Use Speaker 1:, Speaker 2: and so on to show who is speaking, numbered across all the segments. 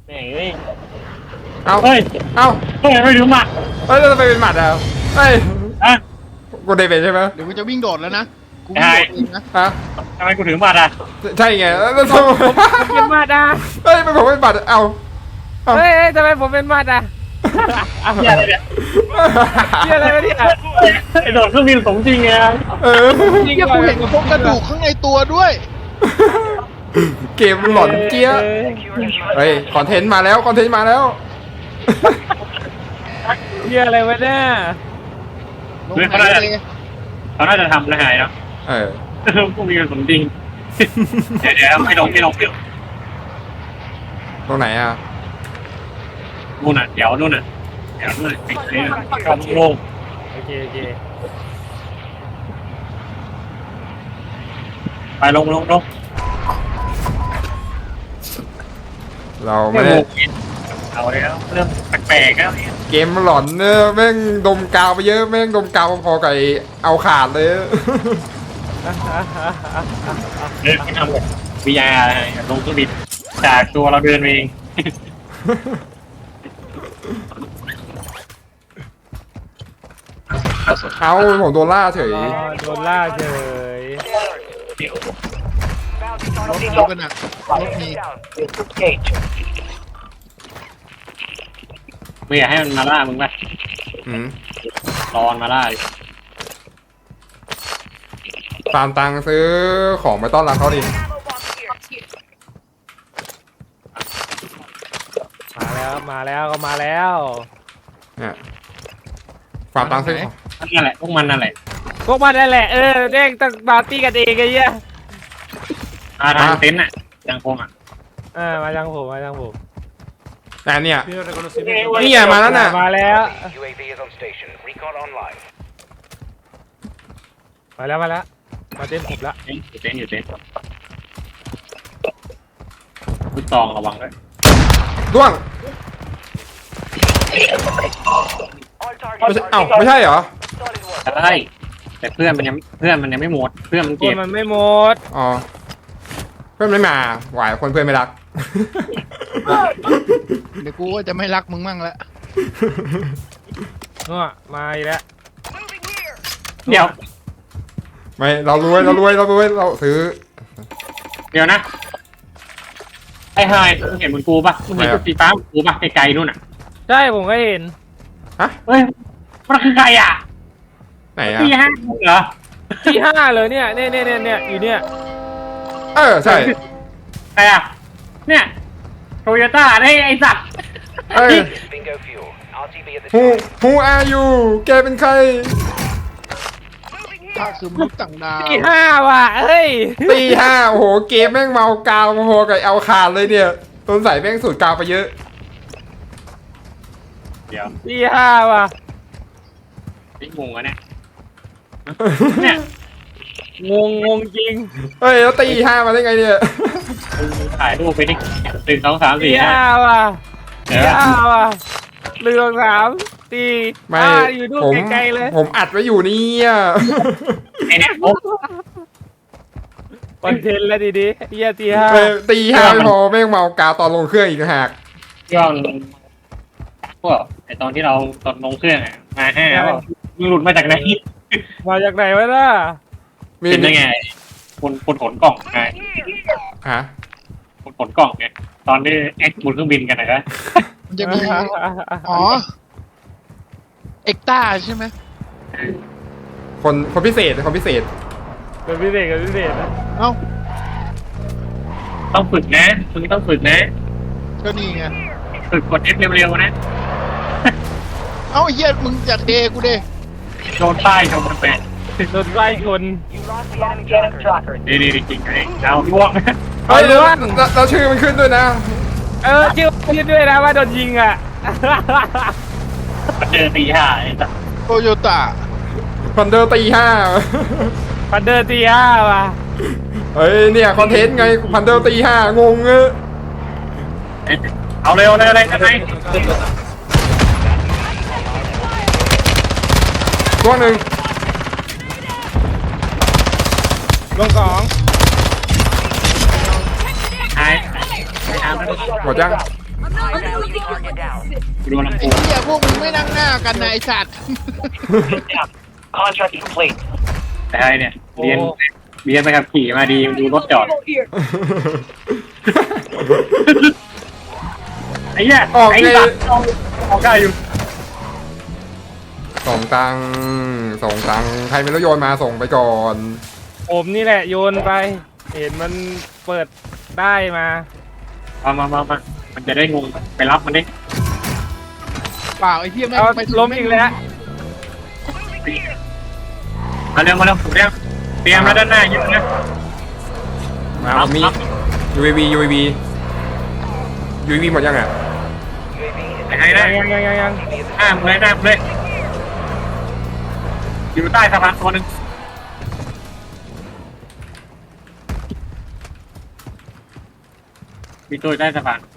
Speaker 1: แม่งเอ้ย
Speaker 2: เอา
Speaker 1: เฮ้ย
Speaker 2: เอา
Speaker 1: เฮ้ยไม่รู้มา
Speaker 2: เฮ้ยเราไปเป็นหมัดอ่ะเฮ้ย
Speaker 1: อ่ะ
Speaker 2: กูได้เป็นใช่ไหม
Speaker 3: เดี๋ยวกูจะวิ่งโดดแล้วนะกูวิ่งโดดเองนะ
Speaker 2: ฮะ
Speaker 1: ทำไมกูถือมาอ่ะ
Speaker 2: ใช่ไงแล้วทำไม
Speaker 4: เป็นมาดอ่ะ
Speaker 2: เฮ้ยมันผมเป็นหมัดเอา
Speaker 4: เฮ้ยทำไมผมเป็นมาดอ่ะ
Speaker 1: เหี้ยอะไรเนี่ย
Speaker 4: เฮียอะไรวะเนี่ย
Speaker 1: ไอ้โดดเครื่องบินสมจริงไง
Speaker 2: เออ
Speaker 4: จริง
Speaker 3: เฮียกูเห็นกับพวกกระดูกข้างในตัวด้วย
Speaker 2: เกมหลอนเจี๊ยะเฮ้ยคอนเทนต์มาแล้วคอนเทนต์มาแล้ว
Speaker 4: เฮียอะไรวะเนี่ย
Speaker 3: ลงไหนเลย
Speaker 1: เขาน่าจะทำนะหายเนาะ
Speaker 2: เออ
Speaker 1: พวกมีกันสมจริงเดี๋ยวไม่ลง
Speaker 2: ตรงไหนอ่ะ
Speaker 1: นู่นน่ะเดี๋ยวนู่นน่ะปิดเลยกำลง
Speaker 4: โอเคโอเค
Speaker 1: ไปลง
Speaker 2: เราไม่ได้
Speaker 1: เอาแล้วเริ่มแปลกๆแล้ว
Speaker 2: เกมหลอนเนอะแม่งดมกาวไปเยอะแม่งดมกาวพอๆกับไอ้เอาขาดเลย
Speaker 1: เดินไปทำแบบวิทยาลงเครื่องบินจากตัวเราเดินเอง
Speaker 2: เอาผมโดนล่าเฉย
Speaker 4: อ๋อโดนล่าเฉย
Speaker 1: เดี๋ยว
Speaker 3: รถมีกันอ่ะรถมี
Speaker 1: ไม่อยากให้มันมาล่ามึงป่ะ
Speaker 2: อืม
Speaker 1: รอนมาล่าดิ
Speaker 2: ตามตังค์ซื้อของไปต้อนรับเขาดิ
Speaker 4: มาแล้วก็มาแล้ว
Speaker 2: เนี่ยฝากตังค์ซื้อของ
Speaker 1: นั่นแหละพวกมันนั่นแหละ
Speaker 4: พวกมันนั่นแหละเด้งตั้งปาร์ตี้กันเองไอ้เหี้ย
Speaker 1: ทางเต็นท์อ่ะยังคงอ่ะ
Speaker 4: มาจังผม
Speaker 2: แต่เนี่ย
Speaker 1: นี่
Speaker 2: นี่ไงมาแล้วน่ะ
Speaker 4: มาแล้ว
Speaker 5: UAV is on station. Recon online.
Speaker 4: มาเต็มผมละ
Speaker 1: อยู่เต็นท์คุณตองระวังด้วย
Speaker 2: ด้วง
Speaker 5: All
Speaker 2: ไม่
Speaker 5: targets
Speaker 2: ใช่
Speaker 5: are
Speaker 2: เอ้าไม่ใช่เหรอ
Speaker 5: solid work.
Speaker 1: ใช่แต่เพื่อนมันยังไม่หมดเพื่อนมัน
Speaker 4: ค
Speaker 1: เก็
Speaker 4: น
Speaker 1: บ
Speaker 4: มันไม่หมด
Speaker 2: อ๋อเพื่อนไม่มาหวายคนเพื่อนไม่รัก
Speaker 3: เดี๋ยวกูก็จะไม่รักมึงมั่งละ
Speaker 4: เนาะมาอีกแล้ว
Speaker 1: เดี๋ยว
Speaker 2: ไม่เรารวยเราซื้อ
Speaker 1: เดี๋ยวนะไอ้ไฮมึงเห็นมึงกูป่ะมึงเห็นจุดสีฟ้ากูป่ะไกลๆนู่นอ่ะ
Speaker 4: ใช่ผมก็เห็น
Speaker 2: ฮะ
Speaker 1: เฮ้ยมันคือใครอ่ะ
Speaker 2: ไหนอ่ะ
Speaker 1: ที่ห้าเหรอ
Speaker 4: ที่5เลยเนี่ยอยู่เนี่ย
Speaker 2: เออใช่
Speaker 1: ใครอ่ะเนี่ยโตโยต้าไอ้สัตว์
Speaker 2: เอ้ย
Speaker 5: Bingo fuel. RTB at the
Speaker 2: who
Speaker 5: time.
Speaker 2: who are you แกเป็นใคร
Speaker 3: ถ้าคือมนุษย์ต่างดาว
Speaker 4: ที่5ว่ะเฮ้ย
Speaker 2: ตีห้าโอ้โหเกมแม่งเมากาวพอๆกับเอาขาดเลยเนี่ยต้นใส่แม่งสูตรกาวไปเยอะ
Speaker 1: เดี๋ยว
Speaker 4: ที่5ว่ะ
Speaker 1: นี่งงอ่ะเนี่ย
Speaker 4: งงจริง
Speaker 2: เฮ้ยแล้วตีห้ามาได้ไงเนี่ย
Speaker 1: ถ่ายรูปไปดิ1 2 3
Speaker 4: ที่
Speaker 1: 4
Speaker 4: 5ว่ะ
Speaker 1: เดี๋ยว
Speaker 4: ที่5ว่ะเรือง3ตี
Speaker 2: ไม่
Speaker 4: อยู่ดู
Speaker 2: ผม
Speaker 4: ไกลๆเลย
Speaker 2: ผมอัดไว้อยู่เนี่ย
Speaker 1: ไอ้เนี่ยโอ้
Speaker 4: คอนเทนต์แล้วดีๆเฮียที่
Speaker 2: เออตีห้าไม่พอแม่งเมากาวตอนลงเครื่องอีกต่างหาก
Speaker 1: ย้อนพวกไอ้ตอนที่เราตอนลงเครื่องอ่ะมา5ว่ามึงหลุดมาจากไหน
Speaker 4: 5มาจากไหนวะน่ะ
Speaker 1: เป็นได้ไงคนขนกล่องไง
Speaker 2: ฮะ
Speaker 1: คนขนกล่องไงตอนที่แอคบนเครื่องบินกันนะ
Speaker 3: มันจะมีอ๋อเอ็กต้าใช่ไหม
Speaker 2: คนพิเศษคนพิเศษ
Speaker 4: เป็นพิเศษกับพิเศษนะ
Speaker 3: เอ้า
Speaker 1: ต้องฝึกนะมึงต้องฝึกนะ
Speaker 3: ก็นี่ไง
Speaker 1: ฝึกกด F เร็วๆนะ
Speaker 3: เอ้าเฮียมึงอยากเดกูเด
Speaker 1: โดนป้ายโดนแปะ
Speaker 4: โดนไล่ชน
Speaker 5: You lost the enemy tracker.
Speaker 1: ดีจริงไงเอาล่วง
Speaker 2: เฮ้ย
Speaker 4: เดี๋ยว
Speaker 2: แล้วชื่อมันขึ้นด้วยนะ
Speaker 4: ชื่อคิดด้วยนะว่าโดนยิงอ่ะ
Speaker 1: เจอตีห้าไอ้สัส
Speaker 3: โตโยต้า
Speaker 2: พันเดอร์ตีห้า
Speaker 4: พันเดอร์ตี5ว่ะ
Speaker 2: เฮ้ยเนี่ยคอนเทนต์ไงพันเดอร์ตีห้างงเออ
Speaker 1: เอาเร็วเลยอะไรกันไหน
Speaker 2: ตัวหนึ่ง
Speaker 4: ลง2
Speaker 1: ไอ้
Speaker 2: หมดยัง
Speaker 5: High value target down.
Speaker 1: กูโดนลำ
Speaker 3: ไอ้
Speaker 1: โพง
Speaker 3: เหี้ยพวกมึงไม่นั่งหน้ากันนะไอ้สัตว์
Speaker 5: Contract complete.
Speaker 1: แต่ไอ้เนี่ยเรียนไปขับขี่มาดีดูรถจอดไอ้เนี่ย
Speaker 2: ออก
Speaker 1: ไอ้
Speaker 2: เลย
Speaker 1: สัตว์ออกได้อยู่
Speaker 2: ส่งตังค์ใครไม่รู้โยนมาส่งไปก่อน
Speaker 4: ผมนี่แหละโยนไป เห็นมันเปิดได้มา
Speaker 1: มามันจะได้งงไปรับมันดิ
Speaker 3: เปล่าไอ้เหี้ยแม่ง
Speaker 4: เอา
Speaker 3: ไป
Speaker 4: ล้มอีกแล้ว
Speaker 1: มาเร็วผมเตรียมแล้วด้านหน้าเยอะนะ
Speaker 2: มาผมมี UAV หมดยังอ่ะ
Speaker 1: ไอ้ไอ้นะ
Speaker 4: ยัง
Speaker 1: หน้ามึงเลยอยู่ใต้สะพานตัวหนึ่งมีตัวอยู่ใต้สะพาน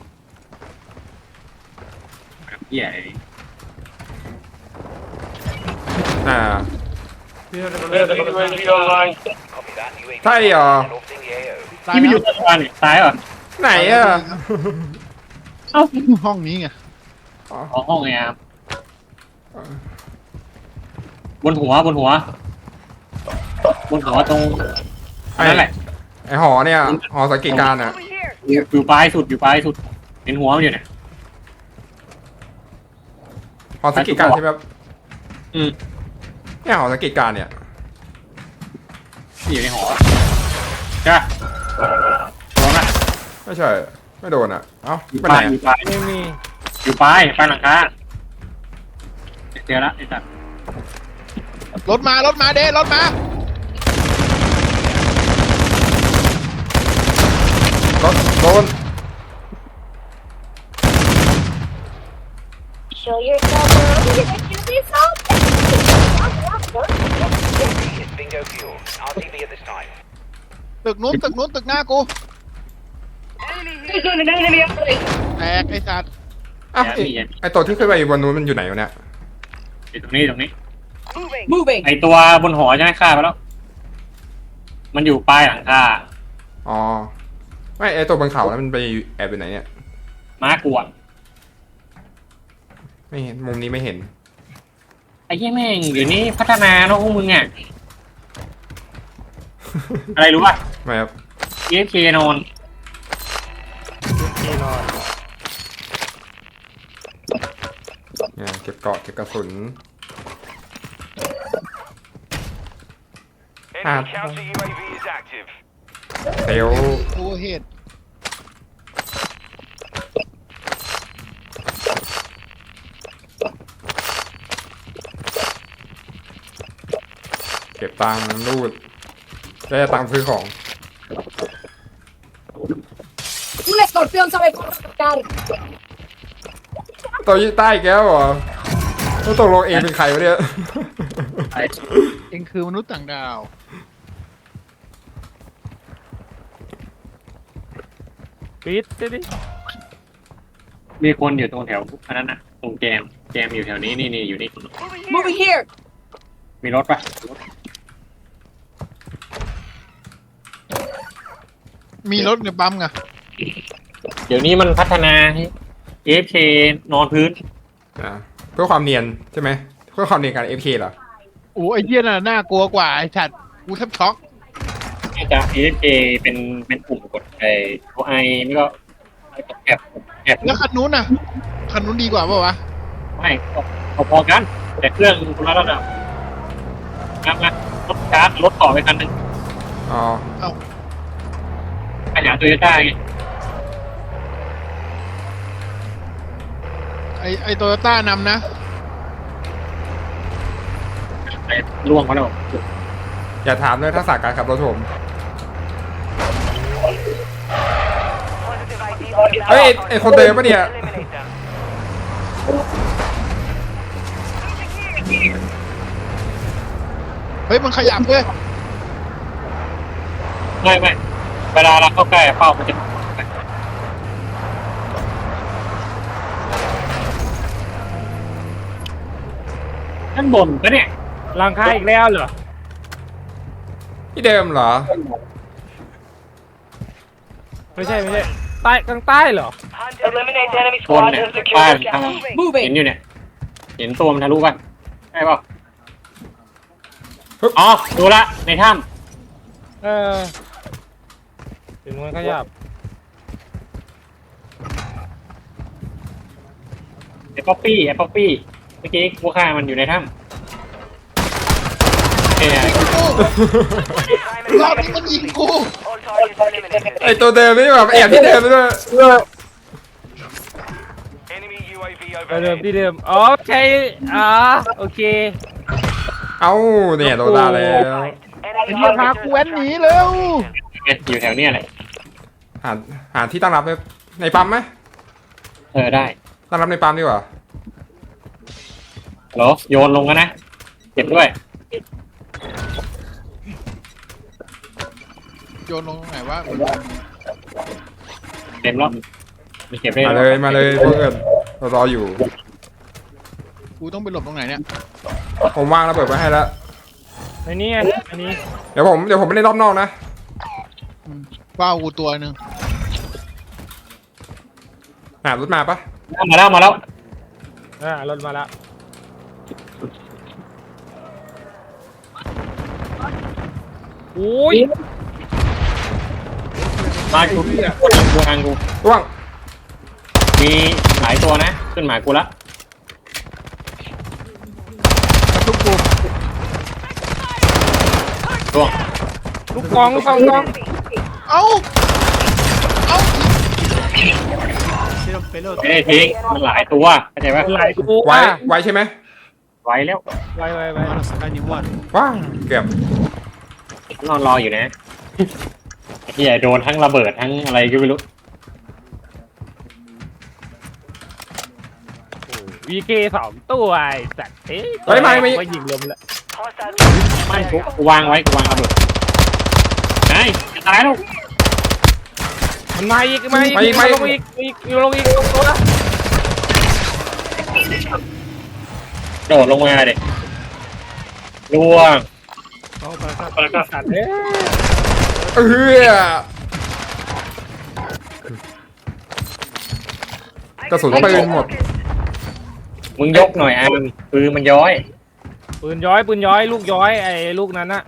Speaker 1: เหี้ยไอ้
Speaker 2: อ่า
Speaker 5: Copy that. UAV
Speaker 2: ใช่เหรอ
Speaker 5: orbiting the AO.
Speaker 3: ตาย
Speaker 1: ที่ไม่อ
Speaker 3: แล้
Speaker 1: ยู่
Speaker 3: ว
Speaker 1: ใต้สะพานนี่ซ้ายเหรอ
Speaker 2: ไหนอ่ะ
Speaker 1: เอ้า
Speaker 3: ห้องนี้ไง
Speaker 1: อ๋อห้องไงครับบนหัวตรงนั่นแหละ
Speaker 2: ไอหอเนี่ยหอสังเกตการณ์อ่ะ
Speaker 1: อยู่ปลายสุดเห็นหัวมันอยู่เนี่ย
Speaker 2: หอสังเกตการณ์ใช่ไหมครับ
Speaker 1: อืม
Speaker 2: เนี่ยหอสังเกตการณ์เนี่ย
Speaker 1: ที่อยู่ในหอใช่ปะโดนละ
Speaker 2: ไม่ใช่ไม่โดนอ่ะเอ้า
Speaker 1: อยู่
Speaker 2: ไป
Speaker 1: ป
Speaker 2: ไหน
Speaker 1: ลาย
Speaker 2: อะ
Speaker 4: ไม่มี
Speaker 1: อยู่ปลายหลังคาเจอละไอ้สัตว์
Speaker 3: รถมาเด้รถมา
Speaker 2: รถโดน
Speaker 6: Show yourself early and give me something.
Speaker 5: Is bingo fuel. RTV at this time.
Speaker 3: ตึกนู้นตึกหน้ากูแตกไอ้สัตว์
Speaker 2: อ้าวไอตัวที่ขึ้นไปบนนู้นมันอยู่ไหนวะเนี่ย
Speaker 1: อยู่ตรงนี้ ไอตัวบนหอใช่ไหมฆ่าไปแล้ว มันอยู่ปลายหลังคา
Speaker 2: อ๋อไม่ไอตัวบนเขาแล้วมันไปแอบอยู่ไหนเนี่ย
Speaker 1: ม้ากวน
Speaker 2: ไม่เห็นมุมนี้ไม่เห็น
Speaker 1: ไอ้เหี้ยแม่งเดี๋ยวนี้พัฒนาเนาะพวกมึงอ่ะ อะไรรู้ป่ะ
Speaker 2: ไม่ครับ
Speaker 1: AFK นอน
Speaker 4: ที่นอน
Speaker 2: เนี่ยเก็บเกาะเก็บกระสุน
Speaker 5: Enemy counter UAV is active.
Speaker 2: เซล
Speaker 3: โอเฮด
Speaker 2: เก็บตังค์รูดได้ตังค์ซื้อของ
Speaker 6: Un escorpión sabe cortar.
Speaker 2: ตัวยี่ใต้อีกแล้วเหรอแล้วตกลงเองเป็นใครวะเนี่ย
Speaker 3: เองคือมนุษย์ต่างดาว
Speaker 4: ปิดดิ
Speaker 1: มีคนอยู่ตรงแถวอันนั้นน่ะ ตรงแจมอยู่แถวนี้นี่อยู่นี่
Speaker 6: Moving here.
Speaker 1: มีรถป่ะ
Speaker 3: มีรถในปั๊มไง
Speaker 1: เดี๋ยวนี้มันพัฒนาให้ AFK นอนพื้น
Speaker 2: อ่ะเพื่อความเนียนใช่ไหมเพื่อความเนียนการ FK เหรอ
Speaker 3: โอ้ไอ้เหี้ยน่ะน่ากลัวกว่าไอ้สัตว์กูแทบช็อก
Speaker 1: อาจจะ AFK เป็นปุ่มกดไอ้ตัวไอไม่ก็แอบ
Speaker 3: แล้วคันนู้นน่ะคันนู้นดีกว่าเปล่าวะ
Speaker 1: ไม่พอกัน แต่เครื่องคนละระดับนะรถชาร์จรถต่อไปคันหนึ่ง
Speaker 2: อ๋อ
Speaker 1: ขยายโตโยต้าไง
Speaker 3: ไอโตโยต้านำนะ
Speaker 1: ไอ้ล่วงมาแล้ว
Speaker 2: อย่าถามเลยทักษะการขับรถผม
Speaker 5: Positive ID.
Speaker 2: เฮ้ยไอคนเดิมปะเนี่ย
Speaker 5: Eliminate them.
Speaker 3: เฮ้ยมันขยับเว้ย
Speaker 1: ไม่เวลาเราเข้าใกล้เป้ามันจะด้านบนปะเนี่ย
Speaker 4: หลังคาอีกแล้วเหรอ
Speaker 2: ที่เดิมเหรอ
Speaker 4: ไม่ใช่ใต้กลางใต้เหรอ
Speaker 5: Eliminate enemy
Speaker 1: คน
Speaker 5: squads
Speaker 1: เนี่ย
Speaker 5: and secure
Speaker 1: บ้าน
Speaker 5: the
Speaker 1: ทาง
Speaker 5: gas.
Speaker 1: เห็น
Speaker 6: Moving.
Speaker 1: อยู่เนี่ยเห็นตัวมันทะลุป่ะใช่ป่ะอ๋อดูละในถ้
Speaker 4: เออถึงมันขยับ
Speaker 1: ำไอ้ป๊อปปี้เมื่อกี้กูฆ่ามันอยู่ในถ้ำเนี่ย
Speaker 3: รอบนี้มันยิงกู
Speaker 5: All targets eliminated.
Speaker 2: ไอตัวเดิมนี่แบบแอบที่เดิมไปด้วย
Speaker 5: Enemy UAV
Speaker 4: เดิม
Speaker 5: overhead.
Speaker 4: ที่เดิมโอเคโอเค
Speaker 2: เอ้าเนี่ยโดนด่าแล้ว
Speaker 3: ไอ้เหี้ยพากูแว้นหนีเร็ว
Speaker 1: อยู่แถวเนี้ยแหละ
Speaker 2: หาที่ตั้งรับในปั๊มไหม
Speaker 1: ได้
Speaker 2: ตั้งรับในปั๊มดีกว่า
Speaker 1: เหรอโยนลงกันนะเก็บด้วย
Speaker 3: โยนลงตรงไหนวะ
Speaker 1: เต็มแล้วมีเก็บได้
Speaker 2: มาเลยพวกเอิญเรารออยู่
Speaker 3: กูต้องไปหลบตรงไหนเนี่ย
Speaker 2: ผมวางระเบิดไว้ให้แล้ว
Speaker 4: ไอ้นี่อันนี้
Speaker 2: เดี๋ยวผมไปเล่นรอบนอกนะ
Speaker 3: ว้าวกูตัวหนึ่ง
Speaker 2: รถมาปะ
Speaker 1: มาแล้ว
Speaker 4: รถมาแล้วโอ้ย
Speaker 1: มากูทางกู
Speaker 2: ร่วง
Speaker 1: มีหลายตัวนะขึ้นหมากูละ
Speaker 3: ทุกกู
Speaker 1: ร่วง
Speaker 4: ลูกกอง
Speaker 3: เอ้า
Speaker 1: ไม่ได้ทิ้งมันหลายตัวเข้าใจปะ
Speaker 4: หลายตัว
Speaker 2: ไว้ใช่ไหม
Speaker 1: ไว้แล้ว
Speaker 4: ไว้
Speaker 2: ว้าเกือบ
Speaker 1: นอนรออยู่นะไอ้เหี้ยโดนทั้งระเบิดทั้งอะไรก็ไม่รู้
Speaker 4: วีเก2ตัวไอ้สัตว์ก็ยิงลมแล้ว
Speaker 5: Hostile
Speaker 1: ไม่กูวางไว้กูวางระเบิดไอ้จะตายแล้ว
Speaker 4: มันมาอีกลงอีกตัวละ
Speaker 1: โดดลงมาเด็กล่วง
Speaker 4: สัตว์
Speaker 2: กระสุนปืนหมด
Speaker 1: มึงยกหน่อยปืนมันย้อย
Speaker 4: ปืนย้อยลูกย้อยไอ้ลูกนั้นนะ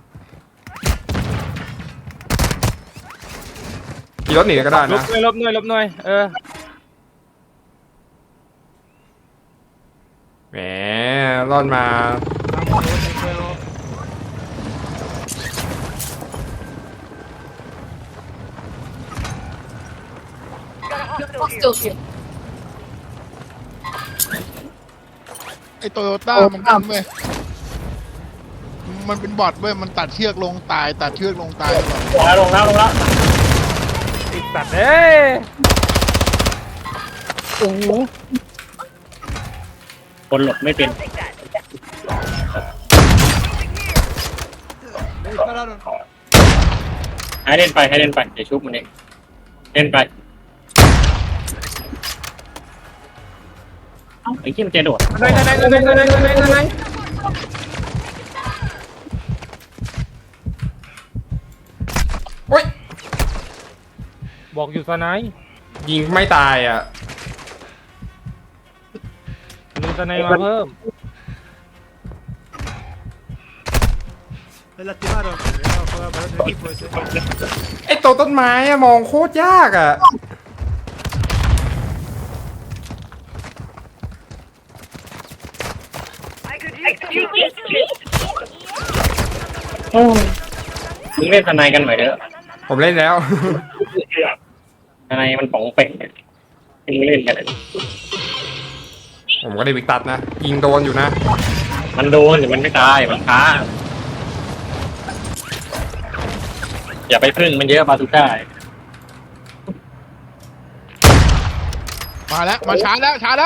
Speaker 2: ขี่รถหนีก็ได้
Speaker 4: ล
Speaker 2: นะ
Speaker 4: บหน่อย
Speaker 2: แหมรอดมา
Speaker 6: Hostile here.
Speaker 3: ไอ้โตโยต้ามันทำเว้ยมันเป็นบอทเว้ยมันตัดเชือกลงตายตัดเชือกลงตายก่อน
Speaker 1: ลงแล้ว
Speaker 4: ไอ้สัตว์
Speaker 1: คนหลบไม่เป็นให้เล่นไปเดี๋ยวชุบมันเองเล่นไปเอ้าไอ้เหี้ยมันจะโดด
Speaker 4: ไหน
Speaker 2: โอ๊ย
Speaker 4: บอกอยู่สไนป์
Speaker 2: ยิงไม่ตายอ่ะ
Speaker 4: มีสไนป์มาเพิ่ม
Speaker 2: ไอตัวต้นไม้อะมองโคตรยากอะ
Speaker 1: มึงเล่นทนายกันหน่อยเถอะ
Speaker 2: ผมเล่นแล้ว
Speaker 1: ทนายมันป๋องเป็ดมึงเล่นกัน
Speaker 2: ผมก็ได้วิกตัดนะ ยิงโดนอยู่นะ
Speaker 1: มันโดนแต่มันไม่ตายมันช้าอย่าไปพึ่งมันเยอะบาซูก้า
Speaker 3: มาแล้วมาช้าแล้ว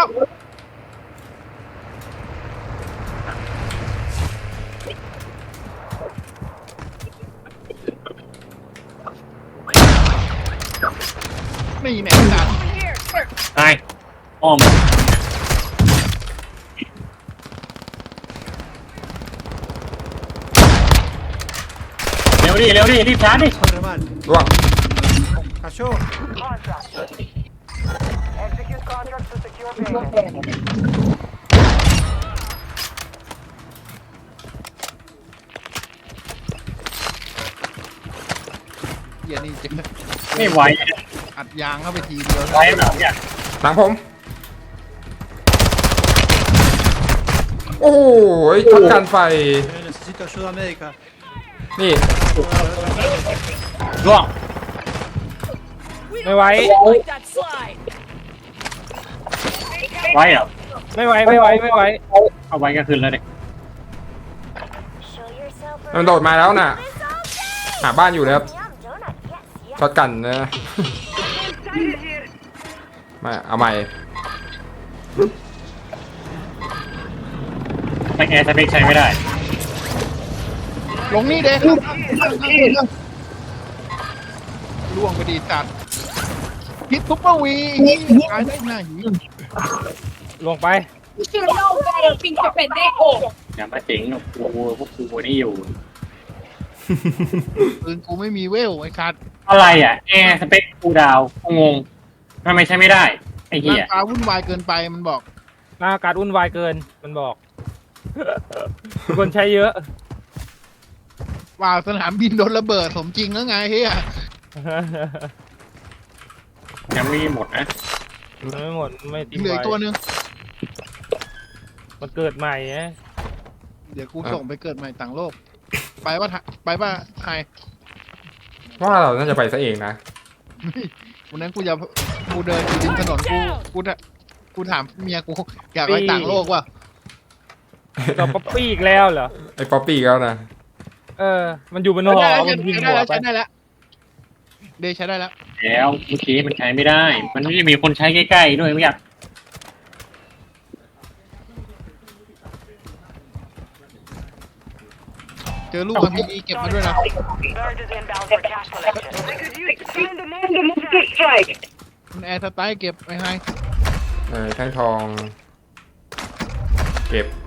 Speaker 3: นี่แน่จัด
Speaker 1: ตายอ้อมเร็วดิรีบชาร์จดิ
Speaker 2: ร่วง
Speaker 5: Contract. Execute contracts to secure payment.
Speaker 3: เหี้ยนี่เจ๊
Speaker 1: ไม่ไหว
Speaker 3: อัดยางเข้าไปทีเดียว
Speaker 1: ไหวแบบเนี่ย
Speaker 2: หลังผม โอ้ยช็อตกันไฟ
Speaker 7: Necesito ayuda médica.
Speaker 2: นี่
Speaker 1: ร่วง
Speaker 4: ไม่ไหว
Speaker 6: Like that slide.
Speaker 1: ไหวเหรอ
Speaker 4: ไม่ไหวไม่ไหวไม่ไหว
Speaker 1: เอาไว้ก็คืนแล้วเด็ก
Speaker 6: Show yourself
Speaker 2: มันโดดมาแล้วน่ะ หาบ้านอยู่นะครับ
Speaker 6: Yum donut. Yes, yes.
Speaker 2: ช็อตกันนะมาเอาใหม่
Speaker 1: ไม่แอร์สเปคใช้ไม่ได้
Speaker 3: ลงนี่เด้ล่วงไปดีจัดฮิตซุปเปอร์วีตายได้หน้าหี
Speaker 4: ลงไป
Speaker 6: You should know better, pinche pendejo.
Speaker 1: อย่ามาเจ๋งกับกูพวกกูนี่อยู่
Speaker 3: ปืนกูไม่มีเวลไอ้คัด
Speaker 1: อะไรอ่ะแอร์สเปคกูดาวงงทำไมใช้ไม่ได้ไอ้
Speaker 3: ห
Speaker 1: เหี้
Speaker 3: น้าย ตาวุ่นวายเกินไปมันบอก
Speaker 4: หน้าอากาศวุ่นวายเกินมันบอก คนใช้เยอะ
Speaker 3: ว่าสนามบินโดนระเบิดสมจริงแล้วไงเฮีย
Speaker 1: ยังไม่หมดนะ
Speaker 4: มันไม่หมดไม่ตี
Speaker 3: เหลืออีกตัวหนึง
Speaker 4: มันเกิดใหม่ไง
Speaker 3: เดี๋ยวกูส่งไปเกิดใหม่ต่างโลก ไปป่ะไฮ
Speaker 2: ว่าเราน่าจะไปซะเองนะ
Speaker 3: วันนั้นกูเดินอยู่ริมถนนกูถามเมียกูอยากไปต่างโลกว่ะ
Speaker 4: จอบป๊อปปี้อีกแล้วเหรอ
Speaker 2: ไอ้ป๊อปปี้แล้วนะ
Speaker 4: มันอยู่บนหอมันยิงหัวไป
Speaker 3: ใช้ได้แล้วเดย์ใช้ได้แล้ว
Speaker 1: แล้วเมื่อกี้มันใช้ไม่ได้ มันไม่ได้มีคนใช้ใกล้ๆด้วยไม่อยาก
Speaker 3: เจอลูกมันมีเก็บมาด้วยนะ
Speaker 5: Bird is inbound for cash collection. I could use find the monster strike.
Speaker 3: มันแอร์สไตล์เก็บไอ้ไฮ
Speaker 2: แท่งทอง เก็บ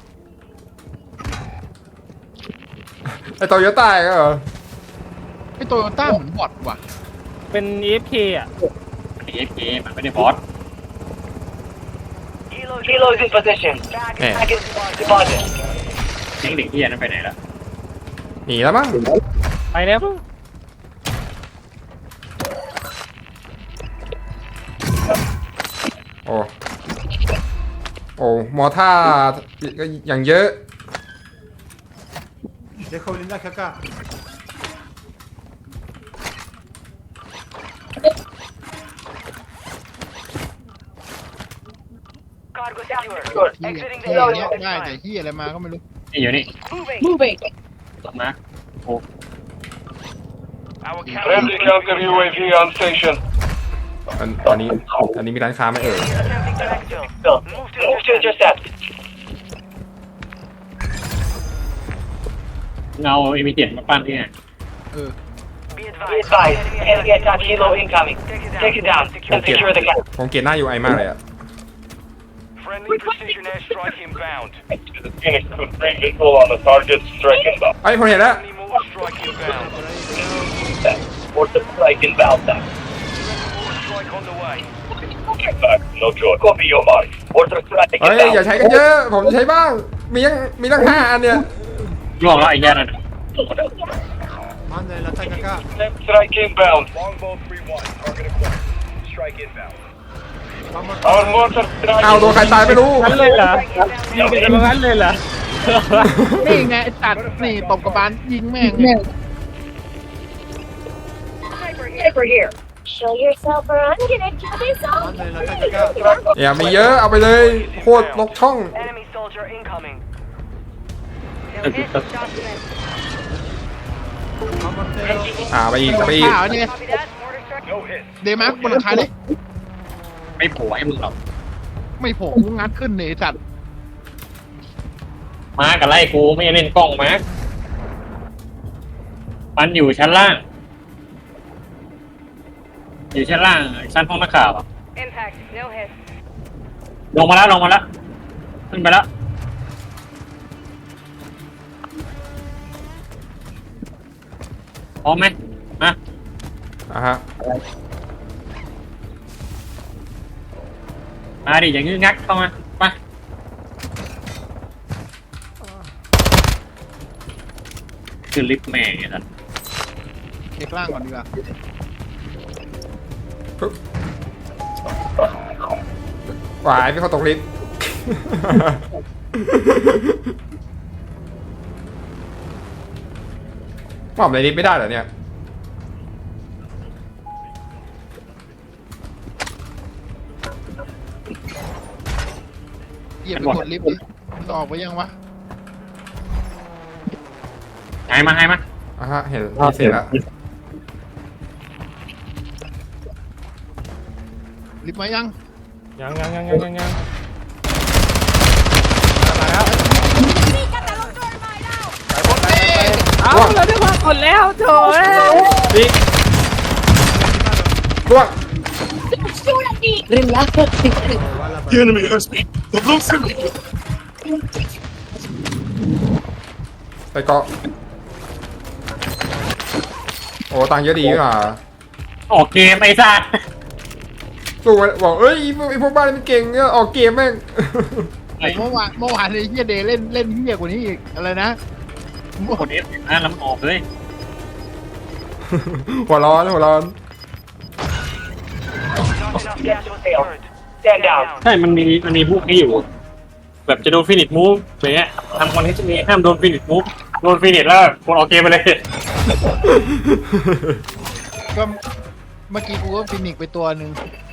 Speaker 2: ไอ้โตโยต้าก็เหรอ
Speaker 3: ไอ้โตโยต้าเหมือนบอทว่ะ
Speaker 4: เป็น EFK อ่ะ
Speaker 1: AFK มันไม่ได้บอส
Speaker 5: Kilos in position. Package deposit.
Speaker 1: เด็กเหี้ยนั้นไปไหนละ
Speaker 2: หนีแล้วมั้ง
Speaker 4: ไปแล้ว
Speaker 2: โอ้ โอ้ มอท่าก็อย่างเยอะ
Speaker 7: Dejo blindaje acá.
Speaker 5: Cargo secured.
Speaker 3: เฮีย
Speaker 5: Exiting
Speaker 3: เฮี
Speaker 5: the
Speaker 3: ย
Speaker 5: area
Speaker 3: เนี้ย
Speaker 5: at this
Speaker 3: ได้แต่
Speaker 5: time.
Speaker 3: เฮียอะไรมาก็ไม่รู้
Speaker 1: นี่อยู่นี่
Speaker 5: Moving.
Speaker 6: Moving.
Speaker 1: มาโอ้
Speaker 5: Our
Speaker 8: Friendly counter UAV on station.
Speaker 2: ตอนนี้มีร้านค้าไหมเอ่ย
Speaker 5: attempting to exfil. Move to intercept.
Speaker 1: เงาเอมิเจ็ดมาปั้นที่ไหน
Speaker 3: เออ
Speaker 5: Be advised. Enemy attack helo incoming. Take it down and secure the cap.
Speaker 2: ผมเกลียดหน้า UI มากเลยอะ
Speaker 8: Friendly precision airstrike inbound. The Phoenix could bring visual on the target. Strike inbound.
Speaker 2: ไอ้ยผมเห็นแล้ว
Speaker 8: Enemy more strike inbound.
Speaker 5: Order strike inbound.
Speaker 8: More strike on the way. Back, no choice. Copy your mark.
Speaker 5: Order strike
Speaker 2: เฮ้ย อย่าใช้กันเยอะ ผมจะใช้บ้าง มีตั้ง5 อันเนี่ย
Speaker 1: ร่วงแล้วไอ้แย่นั่น
Speaker 7: Manden el ataque acá.
Speaker 8: Strike inbound. Longbow 3-1. Target acquired. Strike inbound.
Speaker 7: Vamos.
Speaker 8: Our mortar strike.
Speaker 2: เอาโดนใครตายไม่รู้
Speaker 4: งั้นเลยเหรอยิงกันงั้นเลยเหรอ
Speaker 3: นี่ไงไอ้ตัดนี่ตบกระบาลยิงแม่ง
Speaker 6: Sniper here. Show yourself or I'm gonna kill this all.
Speaker 7: Manden el ataque acá.
Speaker 2: อย่ามีเยอะ เอาไปเลย โคตรลกช่อง
Speaker 5: Enemy soldier incoming.
Speaker 7: Vamos, Teo.
Speaker 2: ไปอีก
Speaker 3: ข่าวเนี่ย
Speaker 5: Copy that. Order strike.
Speaker 8: No hit.
Speaker 3: เดมาร์กบนหลังคาดิ
Speaker 1: ไม่โผล่ให้มึงหรอก
Speaker 3: ไม่โผล่กูงัดขึ้นเนี่ยไอ้สัตว์
Speaker 1: มากับไล่กูไม่เล่นกล้องมามันอยู่ชั้นล่าง อยู่ชั้นล่างชั้นห้องนักข่าวอะ
Speaker 5: Impact. No hit.
Speaker 1: ลงมาแล้วขึ้นไปแล้วพร้อมไหมมา
Speaker 2: อ่ะฮะ
Speaker 1: มาดิอย่างงึกงักเข้ามามาคือลิฟต์แม่งเนี่ยนะ
Speaker 3: เช็คล่างก่อนดีกว่า
Speaker 2: ปึ๊บหวายพี่เขาตกลิฟต์ หมอบในลิฟต์ไม่ได้เหรอเนี่ย
Speaker 3: เหยียบไปกดลิฟต์ดิมันออกไปยังวะ
Speaker 1: หายมา
Speaker 2: อ่ะฮะ เห็นเสร็จแล้ว
Speaker 3: ลิฟต์มายัง
Speaker 4: ยังมาแล้ว เอาเราได้ว่ากดแล้วโถ่เอ้ย
Speaker 2: นี่ล่วง
Speaker 6: Shoot at me!
Speaker 8: The enemy has me. The blue circle.
Speaker 2: ไปเกาะโอ้ตังค์เยอะดีอ่ะ
Speaker 1: ออกเกมไอ้สัส
Speaker 2: สู้ไว้บอกเอ้ยไอ้พวกบ้านนี่มันเก่งเนี่ยออกเกมแม่ง
Speaker 3: เมื่อวานเลยเฮียเดย์เล่นเฮียกว่านี้อีกอะไรนะ
Speaker 1: คนเอฟนะแล้วมันออกเลย
Speaker 2: หัวร้อน
Speaker 5: Get to the turret. Stand down.
Speaker 1: ใช่มันมีพวกนี้อยู่ แบบจะโดนฟินิชมูฟอย่างเงี้ยทำคอนเทนต์จะมีห้ามโดนฟินิชมูฟโดนฟินิชแล้วคนออกเกมไปเลย
Speaker 3: ก็เมื่อกี้กูก็ฟินิกไปตัวหนึ่ง